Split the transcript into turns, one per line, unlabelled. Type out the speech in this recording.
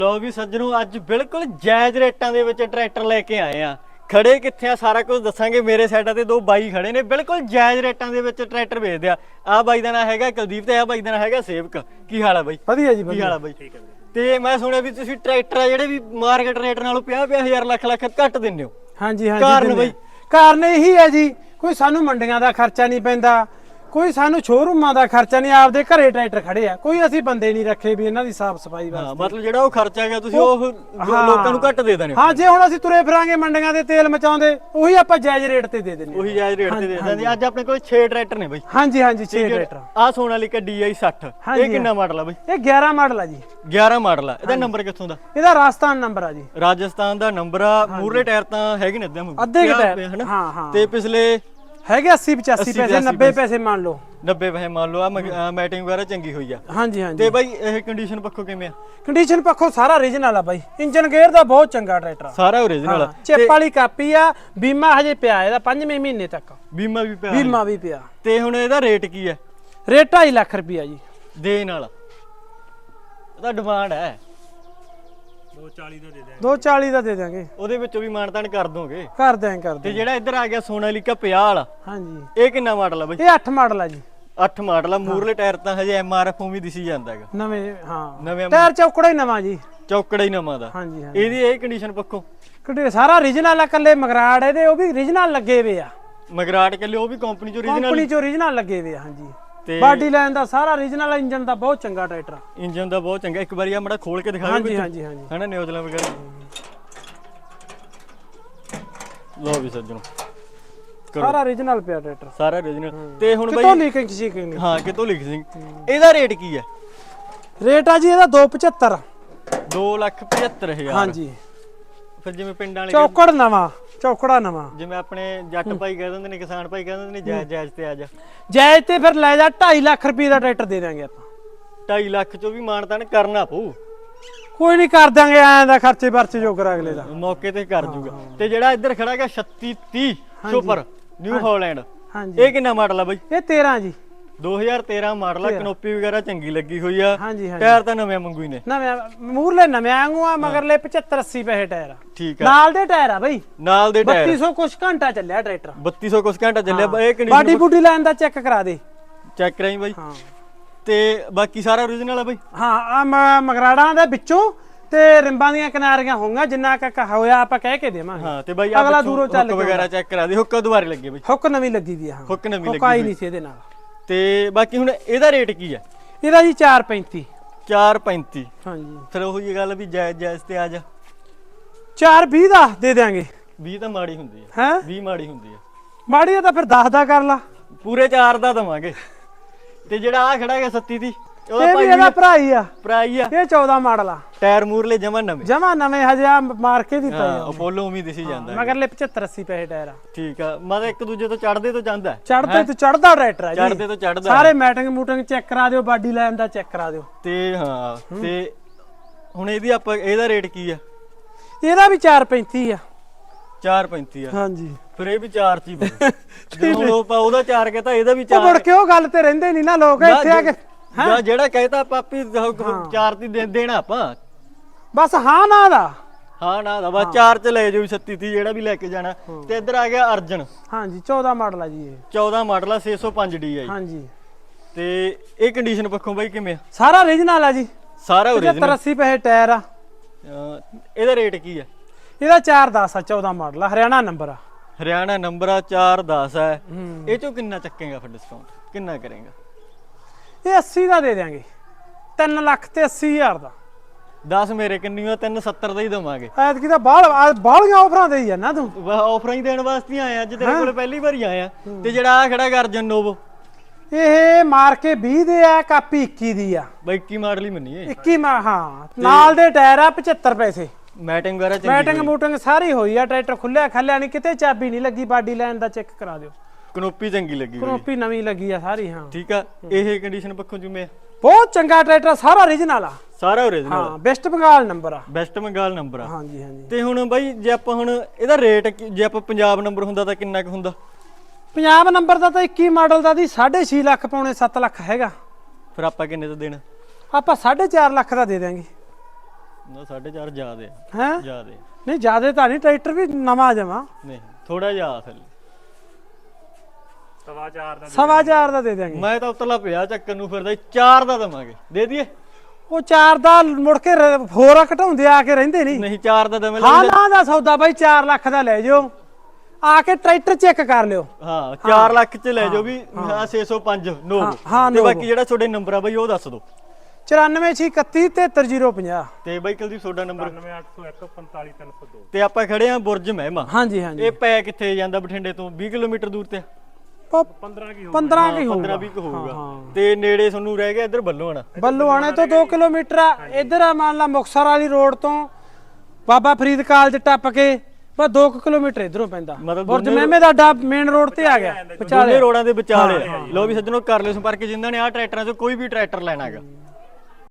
ਲੋ ਵੀ ਸੱਜਣੋ ਅੱਜ ਬਿਲਕੁਲ ਜਾਇਜ਼ ਰੇਟਾਂ ਦੇ ਵਿੱਚ ਟਰੈਕਟਰ ਲੈ ਕੇ ਆਏ ਆ। ਖੜੇ ਕਿੱਥੇ ਆ ਸਾਰਾ ਕੁਝ ਦੱਸਾਂਗੇ। ਮੇਰੇ ਸਾਈਡਾਂ ਤੇ ਦੋ ਬਾਈ ਖੜੇ ਨੇ ਬਿਲਕੁਲ ਜਾਇਜ਼ ਰੇਟਾਂ ਦੇ ਵਿੱਚ ਟਰੈਕਟਰ ਵੇਚਦੇ ਆ। ਆਹ ਬਾਈ ਦਾ ਨਾਂ ਹੈਗਾ ਕੁਲਦੀਪ ਤੇ ਆਹ ਬਾਈ ਦਾ ਨਾਂ ਹੈਗਾ ਸੇਵਕ। ਕੀ ਹਾਲ ਆ ਬਾਈ?
ਵਧੀਆ ਜੀ,
ਕੀ ਹਾਲ ਆ ਬਾਈ? ਠੀਕ ਹੈ। ਤੇ ਮੈਂ ਸੁਣਿਆ ਵੀ ਤੁਸੀਂ ਟਰੈਕਟਰ ਆ ਜਿਹੜੇ ਵੀ ਮਾਰਕੀਟ ਰੇਟ ਨਾਲੋਂ 50,000 ਲੱਖ ਘੱਟ ਦਿੰਦੇ ਹੋ।
ਹਾਂਜੀ ਹਾਂਜੀ।
ਕਾਰਨ ਬਾਈ?
ਕਾਰਨ ਇਹੀ ਹੈ ਜੀ, ਕੋਈ ਸਾਨੂੰ ਮੰਡੀਆਂ ਦਾ ਖਰਚਾ ਨਹੀਂ ਪੈਂਦਾ, ਕੋਈ ਸਾਨੂੰ ਸ਼ੋਰੂਮਾਂ ਦਾ ਖਰਚਾ ਨਹੀਂ, ਆਪਦੇ ਘਰੇ ਟਰੈਕਟਰ ਖੜੇ ਆ, ਕੋਈ ਅਸੀਂ ਬੰਦੇ ਨਹੀਂ ਰੱਖੇ ਵੀ ਇਹਨਾਂ ਦੀ ਸਾਫ ਸਫਾਈ ਵਾਸਤੇ।
ਮਤਲਬ ਜਿਹੜਾ ਉਹ ਖਰਚਾ ਗਿਆ ਤੁਸੀਂ ਉਹ ਲੋਕਾਂ ਨੂੰ ਘੱਟ ਦੇ ਦੇਣੇ।
ਹਾਂ, ਜੇ ਹੁਣ ਅਸੀਂ ਤੁਰੇ ਫਿਰਾਂਗੇ ਮੰਡੀਆਂ ਦੇ ਤੇਲ ਮਚਾਉਂਦੇ, ਉਹੀ ਆਪਾਂ ਜਾਇਜ਼ ਰੇਟ ਤੇ ਦੇ ਦਿੰਦੇ।
ਉਹੀ ਜਾਇਜ਼ ਰੇਟ ਤੇ ਦੇ ਦਿੰਦੇ। ਅੱਜ ਆਪਣੇ ਕੋਲ 6 ਟਰੈਕਟਰ ਨੇ ਬਾਈ।
ਹਾਂਜੀ ਹਾਂਜੀ, 6 ਟਰੈਕਟਰ।
ਆਹ ਸੋਨਾਲੀਕਾ DI 60 ਇਹ ਕਿੰਨਾ ਮਾਡਲ ਆ ਬਾਈ?
ਇਹ 11 ਮਾਡਲ ਆ ਜੀ।
11 ਮਾਡਲ ਆ। ਇਹਦਾ ਨੰਬਰ ਕਿੱਥੋਂ ਦਾ?
ਇਹਦਾ ਰਾਜਸਥਾਨ ਨੰਬਰ ਆ ਜੀ।
ਰਾਜਸਥਾਨ ਦਾ ਨੰਬਰ ਆ। ਮੂਰਲੇ ਟਾਇਰ ਤਾਂ ਹੈਗੇ ਨੇ
ਅੱਧੇ ਟਾਇਰ। ਹਾਂ ਹਾਂ।
ਤੇ ਪਿਛਲੇ
ਹੈਗੇ 80 85 ਪੈਸੇ, 90 ਪੈਸੇ ਮੰਨ ਲਓ।
90 ਪੈਸੇ ਮੰਨ ਲਓ। ਆ ਮੈਟਿੰਗ ਵਗੈਰਾ ਚੰਗੀ ਹੋਈ ਆ।
ਹਾਂਜੀ ਹਾਂਜੀ।
ਤੇ ਬਾਈ ਇਹ ਕੰਡੀਸ਼ਨ ਪੱਖੋਂ ਕਿਵੇਂ ਆ?
ਕੰਡੀਸ਼ਨ ਪੱਖੋਂ ਸਾਰਾ ਓਰੀਜਨਲ ਆ ਬਾਈ। ਇੰਜਨ ਗੇਅਰ ਦਾ ਬਹੁਤ ਚੰਗਾ ਟਰੈਕਟਰ ਆ।
ਸਾਰਾ ਓਰੀਜਨਲ ਆ।
ਚਿੱਪ ਵਾਲੀ ਕਾਪੀ ਆ। ਬੀਮਾ ਹਜੇ ਪਿਆ ਇਹਦਾ 5ਵੇਂ ਮਹੀਨੇ ਤੱਕ।
ਬੀਮਾ ਵੀ ਪਿਆ?
ਬੀਮਾ ਵੀ ਪਿਆ।
ਤੇ ਹੁਣ ਇਹਦਾ ਰੇਟ ਕੀ ਹੈ?
ਰੇਟ 2.5 ਲੱਖ ਰੁਪਇਆ ਜੀ।
ਦੇਣ ਵਾਲਾ ਇਹਦਾ ਡਿਮਾਂਡ ਹੈ
240 ਦਾ ਦੇ ਦਾਂਗੇ।
ਉਹਦੇ ਵਿੱਚੋਂ ਵੀ ਮਾਨਤਾਨ ਕਰ ਦੋਗੇ?
ਕਰ ਦਿਆਂਗੇ ਕਰ
ਤੇ
ਦਿਆਂਗੇ।
ਜਿਹੜਾ ਇੱਧਰ ਆ ਗਿਆ ਸੋਨਾਲੀਕਾ 50 ਵਾਲਾ,
ਹਾਂਜੀ,
ਇਹ ਕਿੰਨਾ ਮਾਡਲ ਆ ਬਾਈ?
ਇਹ 8 ਮਾਡਲ ਆ ਜੀ।
8 ਮਾਡਲ ਆ। ਮੂਰਲੇ ਟਾਇਰ ਤਾਂ ਹਜੇ MRF ਵੀ ਦਿਸੀ ਜਾਂਦਾ ਹੈਗਾ।
ਨਵੇਂ ਹਾਂ,
ਨਵੇਂ
ਟਾਇਰ ਚੌਕੜਾ ਹੀ ਨਵਾਂ ਜੀ।
ਚੌਕੜਾ ਹੀ ਨਵਾਂ ਦਾ।
ਹਾਂਜੀ ਹਾਂਜੀ।
ਇਹਦੀ ਇਹ ਕੰਡੀਸ਼ਨ ਪੱਖੋਂ
ਸਾਰਾ ਓਰੀਜਨਲ ਆ। ਕੱਲੇ ਮਗਰਾੜ ਇਹਦੇ ਉਹ ਵੀ ਓਰੀਜਨਲ ਲੱਗੇ ਹੋਏ ਆ।
ਮਗਰਾਟ ਕੱਲੇ ਉਹ ਵੀ ਕੰਪਨੀ ਚੋਂ
ਓਰੀਜਨਲ ਲੱਗੇ ਹੋਏ ਆ। ਹਾਂਜੀ। ਤੇ ਬਾਡੀ ਲਾਈਨ ਦਾ ਸਾਰਾ ਓਰੀਜਨਲ, ਇੰਜਨ ਦਾ ਬਹੁਤ ਚੰਗਾ ਟਰੈਕਟਰ।
ਇੰਜਨ ਦਾ ਬਹੁਤ ਚੰਗਾ। ਇੱਕ ਵਾਰੀ ਆ ਮੜਾ ਖੋਲ ਕੇ ਦਿਖਾਓ।
ਹਾਂਜੀ ਹਾਂਜੀ ਹਾਂਜੀ।
ਹਨਾ ਨਿਊਜ਼ਲਾਂ ਵਗੈਰਾ। ਲੋ ਵੀ ਸੱਜਣੋ
ਸਾਰਾ ਓਰੀਜਨਲ ਪਿਆ ਟਰੈਕਟਰ।
ਸਾਰਾ ਓਰੀਜਨਲ। ਤੇ ਹੁਣ ਬਾਈ
ਕਿਤੋਂ ਲੀਕਿੰਗ ਸ਼ੀਕਿੰਗ?
ਹਾਂ, ਕਿਤੋਂ ਲਿਖ ਸਿੰਘ। ਇਹਦਾ ਰੇਟ ਕੀ ਹੈ?
ਰੇਟ ਆ ਜੀ ਇਹਦਾ 275।
2,75,000।
ਹਾਂਜੀ।
ਫਿਰ ਜਿਵੇਂ ਪਿੰਡਾਂ ਵਾਲੇ
ਚੌਕੜ ਨਵਾਂ, ਚੌਕੜਾ ਨਵਾਂ।
ਜਿਵੇਂ ਆਪਣੇ ਜੱਟ ਭਾਈ ਕਹਿ ਦਿੰਦੇ ਨੇ, ਕਿਸਾਨ ਭਾਈ ਕਹਿ ਦਿੰਦੇ ਨੇ ਜਾਇਜ਼ ਜਾਇਜ਼ ਤੇ ਆ ਜਾ।
ਜਾਇਜ਼ ਤੇ ਫਿਰ ਲੈ ਜਾ 2.5 ਲੱਖ ਰੁਪਏ ਦਾ ਟਰੈਕਟਰ ਦੇ ਦਾਂਗੇ ਆਪਾਂ।
2.5 ਲੱਖ ਚੋਂ ਵੀ ਮਾਨਤਾਨ ਕਰਨਾ ਪਊ।
ਕੋਈ ਨਹੀਂ, ਕਰ ਦਾਂਗੇ। ਐਂ ਦਾ ਖਰਚੇ ਵਰਚੇ ਜੋਗਰ ਅਗਲੇ ਦਾ
ਮੌਕੇ ਤੇ ਕਰ ਜੂਗਾ। ਤੇ ਜਿਹੜਾ ਇੱਧਰ ਖੜਾ ਹੈਗਾ 3630 ਸੁਪਰ ਨਿਊ ਹਾਲੈਂਡ,
ਹਾਂਜੀ,
ਇਹ ਕਿੰਨਾ ਮਾਡਲ ਆ ਬਾਈ?
ਇਹ 13 ਜੀ।
2013 ਮਾਡਲ ਆ। ਕਨੋਪੀ ਵਗੈਰਾ ਚੰਗੀ ਲੱਗੀ ਹੋਈ ਆ।
ਹਾਂਜੀ ਹਾਂਜੀ।
ਟਾਇਰ ਤਾਂ ਨਵੇਂ ਮੰਗੂ ਹੀ ਨੇ।
ਨਵੇਂ ਮੂਰਲੇ ਨਵੇਂ ਵਾਂਗੂ ਆ, ਮਗਰਲੇ 75 80 ਪੈਸੇ ਟਾਇਰ ਆ।
ਠੀਕ ਆ।
ਨਾਲ ਦੇ ਟਾਇਰ ਆ ਬਈ।
ਨਾਲ ਦੇ ਟਾਇਰ
3200 ਕੁਛ ਘੰਟਾ ਚੱਲਿਆ ਟਰੈਕਟਰ।
3200 ਕੁਛ ਘੰਟਾ ਚੱਲਿਆ। ਇਹ ਕੰਡੀਸ਼ਨ
ਬਾਡੀ ਬੂਡੀ ਲਾਈਨ ਦਾ ਚੈੱਕ ਕਰਾ ਦੇ।
ਚੈੱਕ ਕਰਾਈ ਬਾਈ।
ਹਾਂ।
ਤੇ ਬਾਕੀ ਸਾਰਾ ਓਰੀਜਨਲ ਆ ਬਾਈ।
ਹਾਂ, ਆ ਮਗਰਾੜਾਂ ਦੇ ਵਿੱਚੋਂ ਤੇ ਰਿੰਬਾਂ ਦੀਆਂ ਕਿਨਾਰੀਆਂ ਹੋਣਗੀਆਂ, ਜਿੰਨਾ ਕ ਹੋਇਆ ਆਪਾਂ ਕਹਿ ਕੇ ਦੇਵਾਂਗੇ।
ਹਾਂ। ਤੇ ਬਾਈ
ਅਗਲਾ ਦੂਰੋਂ ਚੱਲ
ਹੁੱਕ ਵਗੈਰਾ ਚੈੱਕ ਕਰਾ ਦੇ। ਹੁੱਕ ਦੁਬਾਰੇ ਲੱਗੇ ਬਾਈ।
ਹੁੱਕ ਨਵੀਂ ਲੱਗੀ ਦੀ ਆ। ਹਾਂ,
ਹੁੱਕ ਨਵੀਂ
ਹੁੱਕ ਆਈ
ਲੱਗੀ
ਨਹੀਂ ਸੀ ਇਹਦੇ ਨਾਲ।
ਤੇ ਬਾਕੀ ਹੁਣ ਇਹਦਾ ਰੇਟ ਕੀ ਹੈ?
ਇਹਦਾ ਜੀ 435।
435।
ਹਾਂਜੀ।
ਫਿਰ ਉਹ ਹੀ ਗੱਲ ਵੀ ਜਾਇਜ਼ ਜਾਇਜ਼ ਤੇ ਆ ਜਾ।
420 ਦਾ ਦੇ ਦਿਆਂਗੇ।
20 ਤਾਂ ਮਾੜੀ ਹੁੰਦੀ ਹੈ।
ਹੈ
20 ਮਾੜੀ ਹੁੰਦੀ ਹੈ।
ਮਾੜੀ ਆ ਤਾਂ ਫਿਰ 10 ਦਾ ਕਰ ਲਾ।
ਪੂਰੇ 4 ਦਾ ਦਵਾਂਗੇ। ਤੇ ਜਿਹੜਾ ਆ ਖੜਾ ਹੈਗਾ 37 ਦੀ,
ਇਹ ਵੀ ਇਹਦਾ ਭਰਾ ਹੀ ਆ।
ਪ੍ਰਾਈ ਆ।
ਇਹ 14 ਮਾਡਲ ਆ।
ਟਾਇਰ ਮੂਰਲੇ ਜਮਾ ਨਵੇਂ।
ਜਮਾ ਨਵੇਂ ਹਜੇ ਆ ਮਾਰ ਕੇ ਵੀ ਪਏ ਆ।
ਅਪੋਲੋ ਉਮੀਦ ਦਿਸੀ ਜਾਂਦਾ।
ਮਗਰਲੇ 75 80 ਪੈਸੇ ਟਾਇਰ ਆ।
ਠੀਕ ਆ। ਮਤਲਬ ਇੱਕ ਦੂਜੇ ਤੋਂ ਚੜਦੇ ਤੋਂ ਜਾਂਦਾ।
ਚੜਦੇ ਤੋਂ ਚੜਦਾ ਟਰੈਕਟਰ ਆ ਜੀ।
ਚੜਦੇ ਤੋਂ ਚੜਦਾ।
ਸਾਰੇ ਮੈਟਿੰਗ ਮੂਟਿੰਗ ਚੈੱਕ ਕਰਾ ਦਿਓ, ਬਾਡੀ ਲਾਈਨ ਦਾ ਚੈੱਕ ਕਰਾ ਦਿਓ।
ਤੇ ਹਾਂ। ਤੇ ਹੁਣ ਇਹਦਾ ਰੇਟ ਕੀ ਆ?
ਇਹਦਾ ਵੀ 435 ਆ।
435 ਆ।
ਹਾਂਜੀ। ਫਿਰ
ਇਹ ਵੀ 4 ਚ ਹੀ ਬਣ। ਜਦੋਂ ਆਪਾਂ ਉਹਦਾ 4 ਕਹਤਾ ਇਹਦਾ ਵੀ 4।
ਮੁੜ ਕੇ ਉਹ ਗੱਲ ਤੇ ਰਹਿੰਦੇ ਨਹੀਂ ਨਾ ਲੋਕ ਇੱਥੇ ਆ ਕੇ।
ਜਾਂ ਜਿਹੜਾ ਕਹਿਤਾ ਪਾਪੀ 4 ਦੀ ਦੇਣਾ ਆਪਾਂ।
ਬਸ ਹਾਂ ਨਾ ਦਾ।
ਹਾਂ ਨਾ ਦਾ ਬਸ 4 ਚ ਲੈ ਜਾਓ 37 30 ਜਿਹੜਾ ਵੀ ਲੈ ਕੇ ਜਾਣਾ। ਤੇ ਇੱਧਰ ਆ ਗਿਆ ਅਰਜਨ।
ਹਾਂਜੀ, 14 ਮਾਡਲ ਆ ਜੀ ਇਹ।
14 ਮਾਡਲ ਆ। 605 DI।
ਹਾਂਜੀ।
ਤੇ ਇਹ ਕੰਡੀਸ਼ਨ ਪੱਖੋਂ ਬਾਈ ਕਿਵੇਂ ਆ?
ਸਾਰਾ ਓਰੀਜਨਲ ਆ ਜੀ।
ਸਾਰਾ ਓਰੀਜਨਲ।
70 80 ਪੈਸੇ ਟਾਇਰ ਆ।
ਇਹਦਾ ਰੇਟ ਕੀ ਆ?
ਇਹਦਾ 410 ਆ। 14 ਮਾਡਲ ਆ। ਹਰਿਆਣਾ ਨੰਬਰ ਆ।
ਹਰਿਆਣਾ ਨੰਬਰ ਆ। 410 ਹੈ। ਇਹ ਚੋਂ ਕਿੰਨਾ ਚੱਕੇਗਾ ਫਿਰ ਡਿਸਕਾਊਂਟ? ਕਿੰਨਾ ਕਰੇਗਾ?
ਇਹ 80 ਦਾ ਦੇ ਦਿਆਂਗੇ। 3 ਲੱਖ ਤੇ 80,000 ਦਾ।
10 ਮੇਰੇ ਕਿੰਨੀ ਆ? 370 ਦਾ ਹੀ ਦਵਾਂਗੇ।
ਐਤਕੀ ਤਾਂ ਬਾਹਲੀਆਂ ਆਫਰਾਂ ਦੇਈ ਜਾਂਦਾ ਤੂੰ।
ਆਫਰਾਂ ਹੀ ਦੇਣ ਵਾਸਤੇ ਆਏ ਅੱਜ ਤੇਰੇ ਕੋਲ ਪਹਿਲੀ ਵਾਰੀ ਆਇਆ। ਤੇ ਜਿਹੜਾ ਆ ਖੜਾ ਅਰਜਨ ਨੋਵੋ,
ਇਹ ਮਾਰ ਕੇ 20 ਦੇ ਆ। ਕਾਪੀ 21 ਦੀ ਆ।
ਬਾਈ 21 ਮਾਡਲ ਹੀ ਮੰਨੀਏ।
21 ਹਾਂ। ਨਾਲ ਦੇ ਟਾਇਰ ਆ 75 ਪੈਸੇ।
ਮੈਟਿੰਗ ਵਗੈਰਾ ਚੰਗੀ।
ਮੈਟਿੰਗ ਮੂਟਿੰਗ ਸਾਰੀ ਹੋਈ ਆ। ਟਰੈਕਟਰ ਖੁੱਲਿਆ ਖੱਲਿਆ ਨਹੀਂ, ਕਿਤੇ ਚਾਬੀ ਨਹੀਂ ਲੱਗੀ। ਬਾਡੀ ਲਾਈਨ ਦਾ ਚੈੱਕ ਕਰਾ ਦਿਓ।
ਕਨੋਪੀ ਚੰਗੀ ਲੱਗੀ ਹੋਈ।
ਕਨੋਪੀ ਨਵੀਂ ਲੱਗੀ ਆ ਸਾਰੀ। ਹਾਂ।
ਠੀਕ ਆ। ਇਹ ਕੰਡੀਸ਼ਨ ਪੱਖੋਂ ਜਿਵੇਂ
ਬਹੁਤ ਚੰਗਾ ਟਰੈਕਟਰ, ਸਾਰਾ ਓਰੀਜਨਲ ਆ।
ਸਾਰਾ ਓਰੀਜਨਲ।
ਹਾਂ, ਵੈਸਟ ਬੰਗਾਲ ਨੰਬਰ ਆ।
ਵੈਸਟ ਬੰਗਾਲ ਨੰਬਰ ਆ।
ਹਾਂਜੀ ਹਾਂਜੀ।
ਤੇ ਹੁਣ ਬਾਈ ਜੇ ਆਪਾਂ ਹੁਣ ਇਹਦਾ ਰੇਟ ਜੇ ਆਪਾਂ ਪੰਜਾਬ ਨੰਬਰ ਹੁੰਦਾ ਤਾਂ ਕਿੰਨਾ ਕੁ ਹੁੰਦਾ?
ਪੰਜਾਬ ਨੰਬਰ ਦਾ ਤਾਂ 21 ਮਾਡਲ ਦਾ ਦੀ 6.5 ਲੱਖ ਪੌਣੇ 7 ਲੱਖ ਹੈਗਾ।
ਫਿਰ ਆਪਾਂ ਕਿੰਨੇ ਦਾ ਦੇਣਾ?
ਆਪਾਂ 4.5 ਲੱਖ ਦਾ ਦੇ ਦਿਆਂਗੇ।
ਨਾ 4.5 ਜ਼ਿਆਦੇ
ਹੈ
ਜ਼ਿਆਦੇ
ਨਹੀਂ ਜਿਆਦੇ ਤਾਂ ਨਹੀਂ, ਟਰੈਕਟਰ ਵੀ ਨਵਾਂ ਜਮਾ
ਨਹੀਂ ਥੋੜਾ ਜਿਹਾ ਥੱਲੇ।
4.5 ਦਾ ਦੇ ਦਿਆਂਗੇ।
ਮੈਂ ਤਾਂ ਉਤਲਾ ਪਿਆ ਚੱਕਰ ਨੂੰ ਫਿਰਦਾ 4 ਦਾ ਦਵਾਂਗੇ, ਦੇ ਦਈਏ?
ਉਹ 4 ਦਾ ਮੁੜ ਕੇ ਹੋਰ ਘਟਾਉਂਦੇ ਆ ਕੇ ਰਹਿੰਦੇ ਨਹੀਂ।
ਨਹੀਂ 4 ਦਾ ਦਵੇਂ।
ਹਾਂ ਨਾ ਦਾ ਸੌਦਾ ਬਾਈ 4 ਲੱਖ ਦਾ ਲੈ ਜਾਓ, ਆ ਕੇ ਟਰੈਕਟਰ ਚੈੱਕ ਕਰ ਲਿਓ।
ਹਾਂ 4 ਲੱਖ ਚ ਲੈ ਜਾਓ ਵੀ 605 ਨੋ। ਤੇ ਬਾਕੀ ਜਿਹੜਾ ਤੁਹਾਡੇ ਨੰਬਰ ਆ ਬਾਈ ਉਹ ਦੱਸ ਦਿਓ।
9461373050
ਤੇ ਬਾਈ ਕੁਲਦੀਪ ਤੁਹਾਡਾ ਨੰਬਰ?
9801455302।
ਤੇ ਆਪਾਂ ਖੜੇ ਆ ਬੁਰਜ ਮਹਿਮਾ।
ਹਾਂਜੀ ਹਾਂਜੀ।
ਇਹ ਪੈ ਕਿੱਥੇ ਜਾਂਦਾ? ਬਠਿੰਡੇ ਤੋਂ 20 ਕਿਲੋਮੀਟਰ ਦੂਰ ਤੇ
15 ਕੀ
15-20 ਹੋਊਗਾ। ਤੇ ਨੇੜੇ ਤੁਹਾਨੂੰ ਰਹਿ ਗਿਆ ਇੱਧਰ ਬੱਲੂਆਣਾ।
ਬੱਲੂਆਣੇ ਤੋਂ 2 ਕਿਲੋਮੀਟਰ ਆ। ਇੱਧਰ ਆ ਮੰਨ ਲਾ ਮੁਕਤਸਰ ਵਾਲੀ ਰੋਡ ਤੋਂ ਬਾਬਾ ਫਰੀਦ ਕਾਲਜ ਟੱਪ ਕੇ ਬਸ 2 ਕਿਲੋਮੀਟਰ ਇਧਰੋਂ ਪੈਂਦਾ। ਬੁਰਜ ਮਹਿਮੇ ਦਾ ਅੱਡਾ ਮੇਨ ਰੋਡ ਤੇ ਆ ਗਿਆ,
ਵਿਚਾਲੇ ਰੋਡਾਂ ਦੇ ਵਿਚਾਲੇ। ਲੋ ਵੀ ਸੱਜਣੋ ਕਰ ਲਿਓ ਸੰਪਰਕ ਜਿਨ੍ਹਾਂ ਨੇ ਆਹ ਟਰੈਕਟਰਾਂ 'ਚੋਂ ਕੋਈ ਵੀ ਟਰੈਕਟਰ ਲੈਣਾ ਹੈਗਾ।